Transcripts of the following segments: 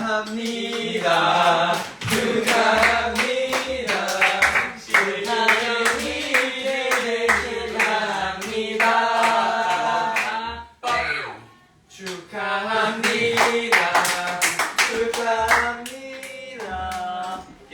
축하합니다. 축하합니다. 신하영이 축하합니다. 축하합니다. 축하합니다. 예.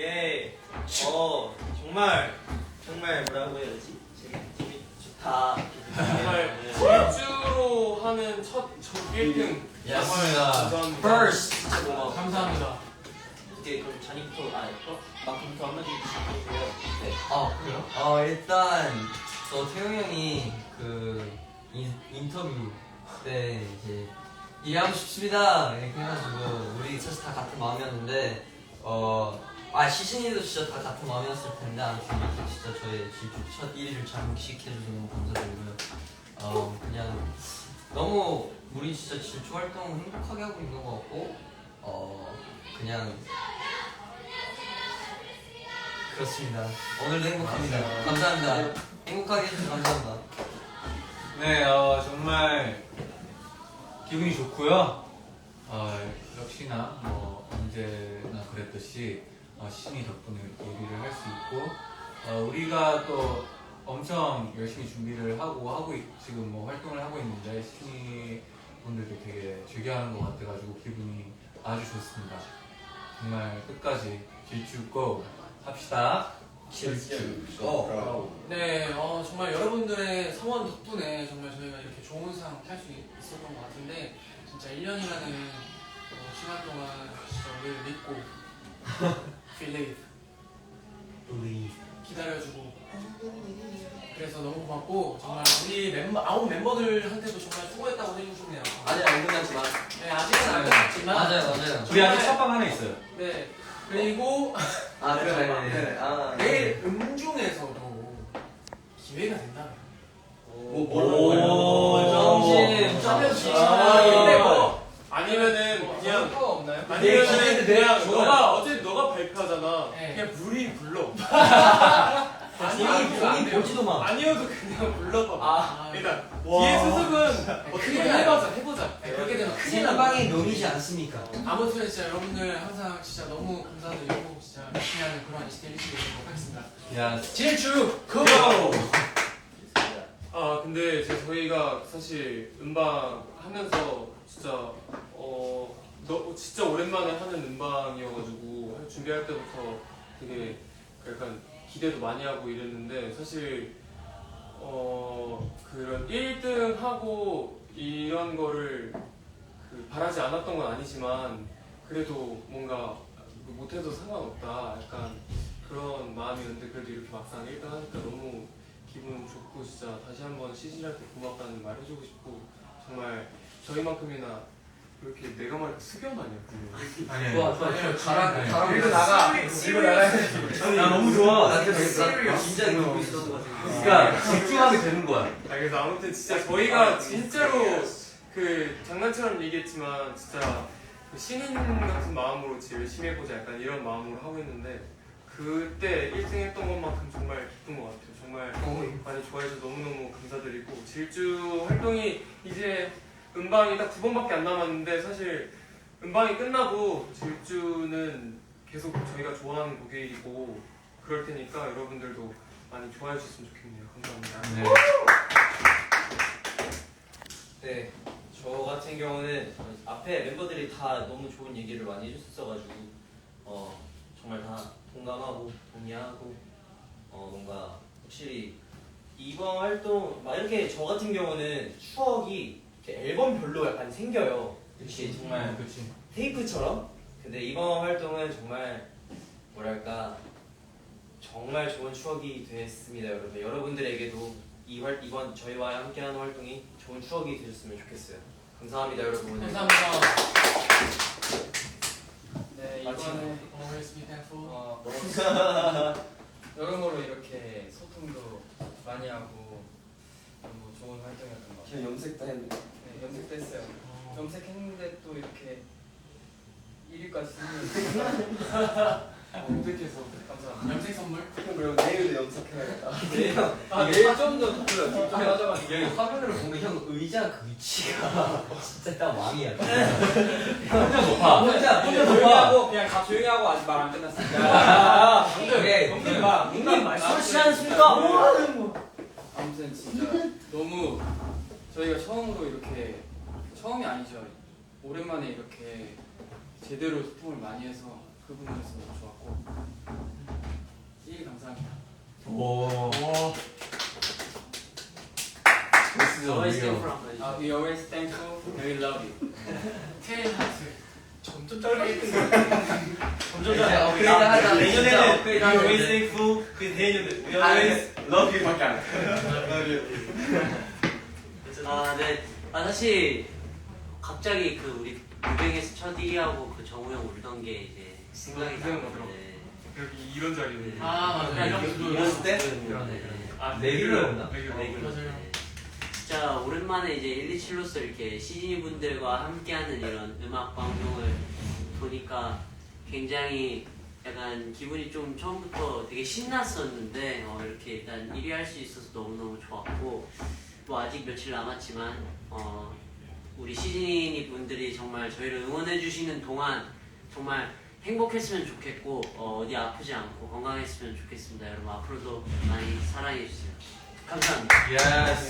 정말 뭐라고 해야 되지? 재미 좋다. 정말 질주로 하는 첫 1등. 맞습니다. 감사합니다. First. 감사합니다. 이제 그럼 잔이부터 마크부터 한마디 해주세요. 네. 그래요? 일단 저 태용 형이 그 인터뷰 때 이제 일하고 싶습니다 이렇게 해가지고 우리 사실 다 같은 마음이었는데 시즌이도 진짜 다 같은 마음이었을 텐데 아무튼 이렇게 진짜 저의 질주 첫 1위를 장식해주셔서 너무 감사드리고요. 그냥 너무 우리 진짜 질주 활동 행복하게 하고 있는 것 같고 그냥 그렇습니다. 오늘도 행복합니다. 감사합니다. 행복하게 해주셔서 감사합니다. 네, 정말 기분이 좋고요. 역시나 언제나 그랬듯이 시즌이 덕분에 요리를 할 수 있고 우리가 또 엄청 열심히 준비를 하고 지금 활동을 하고 있는데 시즌이 분들도 되게 즐겨하는 것 같아가지고 기분이 아주 좋습니다. 정말 끝까지 질주 고 합시다. 질주 고. 네, 정말 여러분들의 성원 덕분에 정말 저희가 이렇게 좋은 상 탈 수 있었던 것 같은데 진짜 1년이라는 시간 동안 진짜 우리를 믿고 believe 기다려주고 그래서 너무 고맙고 정말 우리 아홉 멤버들한테도 정말 수고했다고 해주고 싶네요. 아직 안 끝났지만. 네, 아직은 안 끝났지만 맞아요. 우리 아직 첫방 하나 있어요. 네, 그리고 그래. 내일 음중에서도 기회가 된다면 점심. 근데 아니면은 그냥 없나요? 아니면은 그냥 어제 너가 발표하잖아. 네. 그냥 물이 불러. 본인 보지도 마. 아니어도 그냥 불러봐. 그러니까 와. 뒤에 수습은 어떻게 해보자. 네, 그렇게 되면 큰일 나. 생방의 묘미지 않습니까? 아무튼 진짜 여러분들 항상 진짜 너무 감사드리고 진짜 열심히 하는 그런 20대 1시 되도록 하겠습니다. 야, 질주 고! 근데 저희가 사실 음방 하면서 진짜 진짜 오랜만에 하는 음방이어가지고 준비할 때부터 되게 약간 기대도 많이 하고 이랬는데 사실 그런 1등 하고 이런 거를 바라지 않았던 건 아니지만 그래도 뭔가 못해도 상관없다 약간 그런 마음이었는데 그래도 이렇게 막상 1등 하니까 너무 기분 좋고 진짜 다시 한번 시즌할 때 고맙다는 말 해주고 싶고 정말 저희만큼이나 그렇게 내가 말해 수견 아니야? 아니야. 가라. 밀고 나가. 나 너무 좋아. 나 진짜 느끼고 있었던 것 같아. 그러니까 집중하게 되는 거야. 그래서 아무튼 진짜 저희가 진짜로 장난처럼 얘기했지만 진짜 신인 같은 마음으로 진짜 열심히 해보자 약간 이런 마음으로 하고 있는데 그때 1등 했던 것만큼 정말 기쁜 것 같아요. 정말 많이 좋아해서 너무너무 감사드리고 질주 활동이 이제 음방이 딱 2번밖에 안 남았는데 사실 음방이 끝나고 질주는 계속 저희가 좋아하는 곡이고 그럴 테니까 여러분들도 많이 좋아해 주셨으면 좋겠네요. 감사합니다. 네, 저 같은 경우는 앞에 멤버들이 다 너무 좋은 얘기를 많이 해줬어가지고 정말 다 동감하고 동의하고 뭔가 확실히 이번 활동 막 이렇게 저 같은 경우는 추억이 이렇게 앨범별로 약간 생겨요. 이렇게 정말 그렇지. 테이프처럼. 근데 이번 활동은 정말 뭐랄까 정말 좋은 추억이 됐습니다, 여러분. 여러분들에게도 이번 저희와 함께하는 활동이 좋은 추억이 되셨으면 좋겠어요. 감사합니다, 여러분. 감사합니다. 네, 이번에 always be thankful. 여러모로 이렇게 소통도 많이 하고 너무 좋은 활동이었던 것 같아요. 저 염색도 했는데. 네, 염색도 했어요. 염색했는데 또 이렇게 1위까지 쓰는 염색해서 감사합니다. 염색 선물. 그럼 내일도 염색해야겠다. 내일 좀더 가져가. 여기 화면으로 보면 형 의자 그 위치가 진짜 딱 왕이야. 혼자 조용히 하고 그냥 다 조용히 하고 아직 말 안 끝났습니다. 그래. 술 취하셨습니까? 뭐 하는 거? 아무튼 진짜 너무 저희가 처음으로 이렇게 처음이 아니죠. 오랜만에 이렇게 제대로 소통을 많이 해서 그 부분에서 너무 좋았고 1위 감사합니다. 오. We always thankful and we love you. 테일 하트. 점점 짧아지는 점점 이제 업그레이드 하자. 내년에는 업그레이드 We 하자, always 이제. thankful. 그 내년에는 We always love you 밖에 안 해. 네. 사실 갑자기 그 우리 무뱅에서 첫 1위하고 그 정우 형 울던 게 이제 생각이 생각나더라고. 나는데 여기 이런 자리는 아 맞아. 이랬을 때? 그러네. 아 레귤러였나? 레귤러. 맞아요. 진짜 오랜만에 이제 127로서 이렇게 시즈니 분들과 함께하는 이런 음악 방송을 보니까 굉장히 약간 기분이 좀 처음부터 되게 신났었는데 이렇게 일단 1위 할 수 있어서 너무너무 좋았고 뭐 아직 며칠 남았지만 우리 시즈니 분들이 정말 저희를 응원해 주시는 동안 정말 행복했으면 좋겠고 어디 아프지 않고 건강했으면 좋겠습니다. 여러분 앞으로도 많이 사랑해 주세요. 감사합니다. 예스.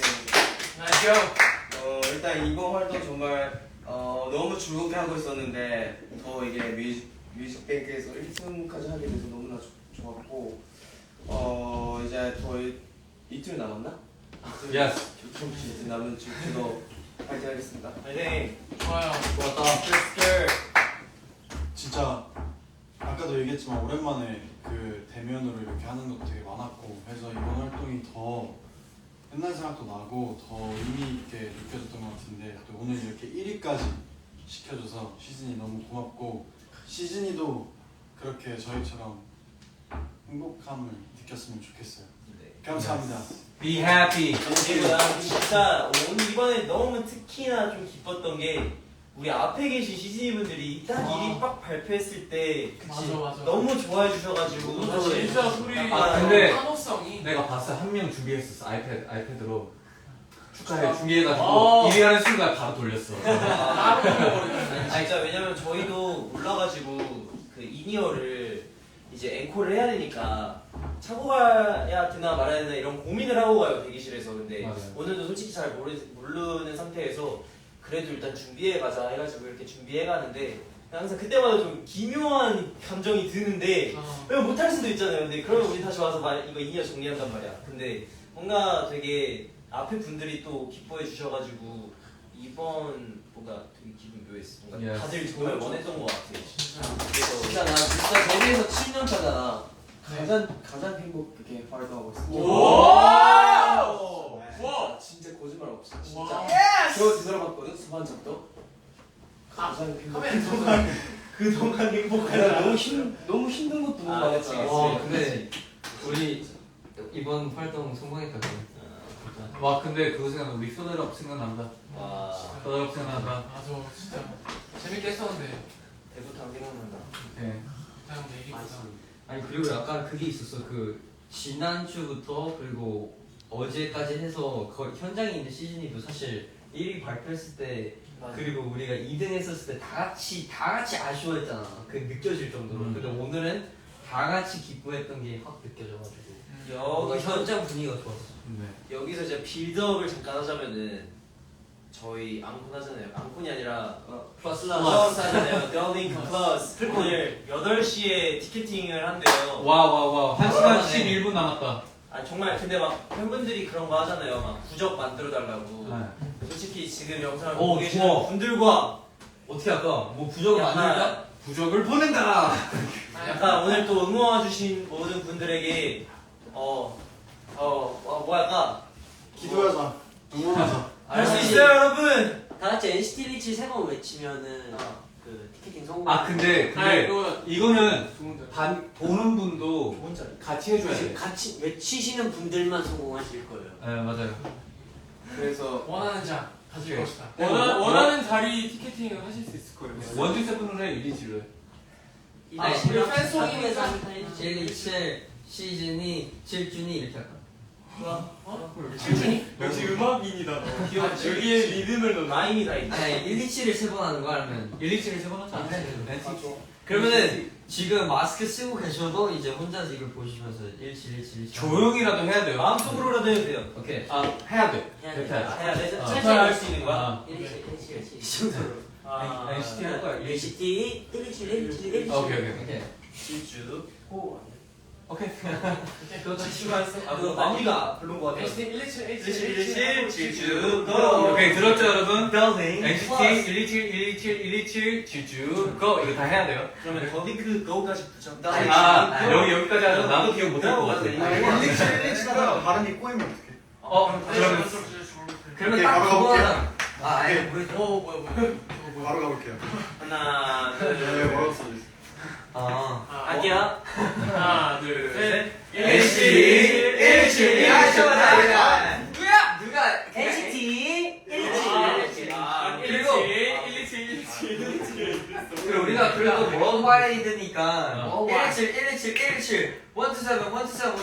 나이스. 일단 이번 활동 정말 너무 즐겁게 하고 있었는데 더 이게 뮤직뱅크에서 1승까지 하게 돼서 너무나 좋았고 이제 더 이틀 남았나? 예스. 이틀 남은 지금도 파이팅 하겠습니다. 파이팅. 좋아요. 진짜 아까도 얘기했지만 오랜만에 그 대면으로 이렇게 하는 것도 되게 많았고 해서 이번 활동이 더 옛날 생각도 나고 더 의미 있게 느껴졌던 것 같은데 또 오늘 이렇게 1위까지 시켜줘서 시즌이 너무 고맙고 시즌이도 그렇게 저희처럼 행복함을 느꼈으면 좋겠어요. 감사합니다. Be happy. 그리고 난 진짜 오늘 이번에 너무 특히나 좀 기뻤던 게 우리 앞에 계신 시즈니분들이 딱 1위 빡 발표했을 때 맞아. 너무 좋아해 주셔가지고 사실 진짜 소리. 근데 환호성이. 내가 봤어. 한 명 준비했었어. 아이패드로 축하해 준비해가지고 1위 하는 순간 바로 돌렸어. 아 진짜 왜냐면 저희도 올라가지고 그 이니어를 이제 앵콜을 해야 되니까 차고 가야 되나 말아야 되나 이런 고민을 하고 가요 대기실에서. 근데 맞아요. 오늘도 솔직히 잘 모르는 상태에서 그래도 일단 준비해 가자 해가지고 이렇게 준비해 가는데 항상 그때마다 좀 기묘한 감정이 드는데 왜 못할 수도 있잖아요. 근데 그러면 우리 다시 와서 이거 이니어 정리한단 말이야. 근데 뭔가 되게 앞에 분들이 또 기뻐해 주셔가지고 이번 뭔가 되게 기분 묘했어. 뭔가 Yes. 다들 정말 원했던 것 같아. 그래서 진짜 나 진짜 데뷔해서 7년 차잖아. 가장 행복하게 활동하고 있어. 와! 진짜 거짓말 없어. 와. 진짜. 저 뒤돌아봤거든 수반적도. 가장 행복해. 그동안 행복하다. 내가 너무 힘든 것도 너무 아, 많았지. 그치. 와 근데 우리 이번 활동 성공했다. 와 근데 그거 생각나. 우리 소널업 생각난다. 와 소널업 생각난다. 맞아. 진짜 재밌게 했었는데. 대부탕 생각난다. 네. 그냥 내일이구나. 아니 그리고 약간 그게 있었어. 그 지난주부터 그리고 어제까지 해서 현장에 있는 시즌이도 사실 1위 발표했을 때 그리고 우리가 2등 했었을 때 다 같이 아쉬워했잖아. 그 느껴질 정도로. 근데 오늘은 다 같이 기뻐했던 게 확 느껴져가지고 뭔가 여기서 현장 분위기가 좋았어. 네. 여기서 이제 빌드업을 잠깐 하자면은 저희 앙콘 하잖아요. 앙콘이 아니라 플러스 플러스 하잖아요. 더링크 플러스 오늘 8시에 티켓팅을 한대요. 와 1시간 11분 남았다. 아 정말 근데 막 팬분들이 그런 거 하잖아요. 막 부적 만들어 달라고. 네. 솔직히 지금 영상을 오, 보고 계시는 좋아. 분들과 어떻게 할까? 뭐 부적을 약간- 만들까? 부적을 보낸다. 약간 오늘 또 응원해 주신 모든 분들에게 뭐 할까? 기도하자. 응원하자. 할 수 있어요, 여러분. 다 같이 NCT 127 세 번 외치면은 그 티켓팅 성공. 아 근데 이거는 좋은데. 보는 분도 좋은 자리. 같이 해줘야 돼. 같이 외치시는 분들만 성공하실 거예요. 네 맞아요. 그래서 원하는 자 가질 오케이. 것이다. 원하는 자리 티켓팅을 하실 수 있을 거예요. 원주 세븐을 해, 유리지를. 우리 팬송이니까 127 시즌이 7준이 이렇게 할까? 역시 음악인이다. 너. 여기에 리듬을 넣어. 라임이 다 있네. 아니 127을 3번 하는 거 하면 127을 세번 하자. 그러면은 지금 마스크 쓰고 계셔도 이제 혼자서 이걸 보시면서 1717 조용히라도 해야 돼요. 마음속으로라도 해도 돼요. 오케이. 해야 돼. 해야 그렇게 돼. 하자. 해야 돼. 어. 찰찰 할수 있는 거야? 아. 117 이 정도로. NCT 할 거야. NCT 117 오케이. 오케이. 질주. 오케이. 그거 다 추가했어? 그거 마무리가 별론 거 같아. NCT 117 질주. 오케이, 들었죠, 여러분? Building. NCT 127 질주 고! 이거 다 해야 돼요. 그러면 더 링크 고까지 붙여. 여기까지 하죠. 나도 기억 못할 것 같아. 117하다가 발음이 꼬이면 어떡해? 그러면 오케이, 딱 바로 그거 가볼게요. 하나. 아니 모르겠어. 바로 가볼게요. 하나, 네, 둘, 뭐라고 써 할게요. 하나 둘 셋. NCT 127. 누가 NCT 117 그리고 127 그리고 우리가 그래도 월드와이드니까 어. 117 127 127 127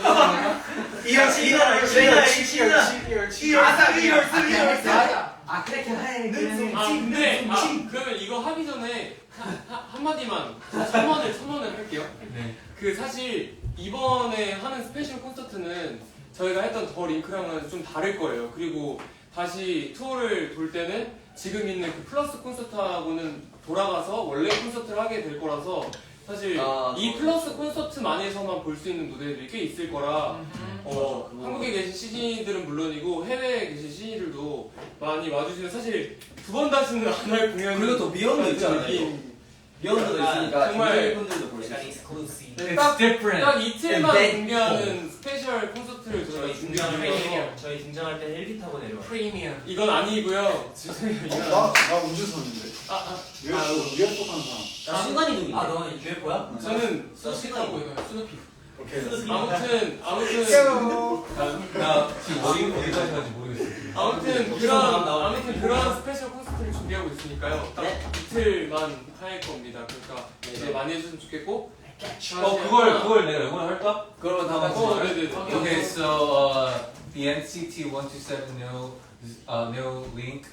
아 그렇게 해. 그러면 이거 하기 전에 한마디만 첨언을 할게요. 네. 그 사실 이번에 하는 스페셜 콘서트는 저희가 했던 더 링크랑은 좀 다를 거예요. 그리고 다시 투어를 돌 때는 지금 있는 그 플러스 콘서트하고는 돌아가서 원래 콘서트를 하게 될 거라서 사실 이 플러스 콘서트만에서만 볼 수 있는 무대들이 꽤 있을 거라 한국에 계신 CG들은 물론이고 해외에 계신 CG들도 많이 와주시면 사실 두 번 다시는 안 할 공연 그리고 또 미연도 있잖아요. 미연도 있으니까 정말 분들도 볼 수 있어요. 익스클루시브. 딱 different. 딱 이틀만 네. 공개하는 스페셜 콘서트를 저희가 저희 준비하고 있어서 저희 등장할 때는 1기 타고 내려와. 프리미엄. 이건 아니고요. 죄송해요. 이건 나 우주선인데. UFO 타는 사람. 나 순간이동이네. 너 UFO야? 저는 스누피라고 이거요. 스누피. 오케이. 아무튼 나 지금 어디까지 가는지 모르겠어. 아무튼 그런 스페셜 콘서트를 준비하고 있으니까요. 딱 네. 이틀만 할 겁니다. 그러니까 이제 많이 해주시면 좋겠고. 그걸 내가 영어로 할까? 그러면 다 같이 네네. Okay, so the NCT 127 no link.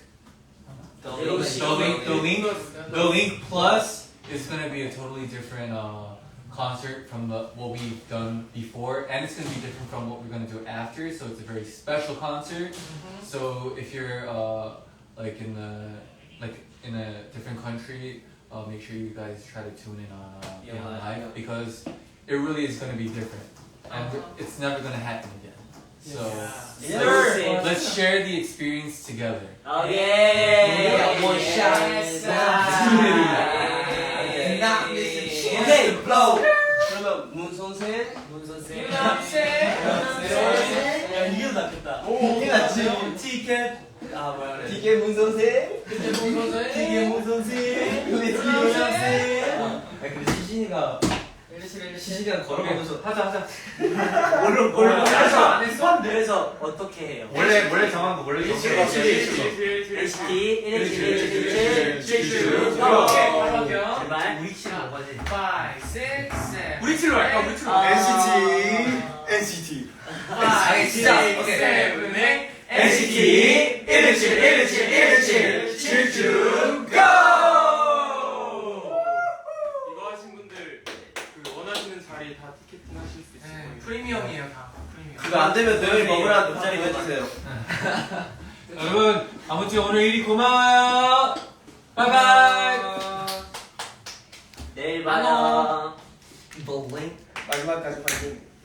The link plus is gonna be a totally different concert from what we've done before, and it's gonna be different from what we're gonna do after. So it's a very special concert. So if you're like in a different country, make sure you guys try to tune in on Beyond Live because it really is gonna be different, and it's never gonna happen again. So let's share the experience together. 오케이. One shot. Not missing 오케이. Blow. 그러면 문선생 문선생. 야 이게 낫겠다. 이게 낫지. 티켓. 아 뭐야 그래. 디게 문선생 티켓 문선생. 근데 시진이가 걸어가면서 하자. 그래서 어떻게 해요? 원래 정한 거 원래 정한 거. NCT 117 제발. 우리 치는 뭐가지? 5, 6, 7. 우리 칠로 할까? 우리 칠로. NCT. 아니 진짜. 오케이. NCT 117 질주 고! 이거 하신 분들 그 원하시는 자리 다 티켓팅 하실 수 있을 거예요. 프리미엄이에요 다. 프리미엄. 그거 안 되면 너희 먹으라 옆자리 해주세요. 여러분 아무튼 오늘 일이 고마워요. 바이바이. 내일 봐요. The link. 마지막까지 파이팅.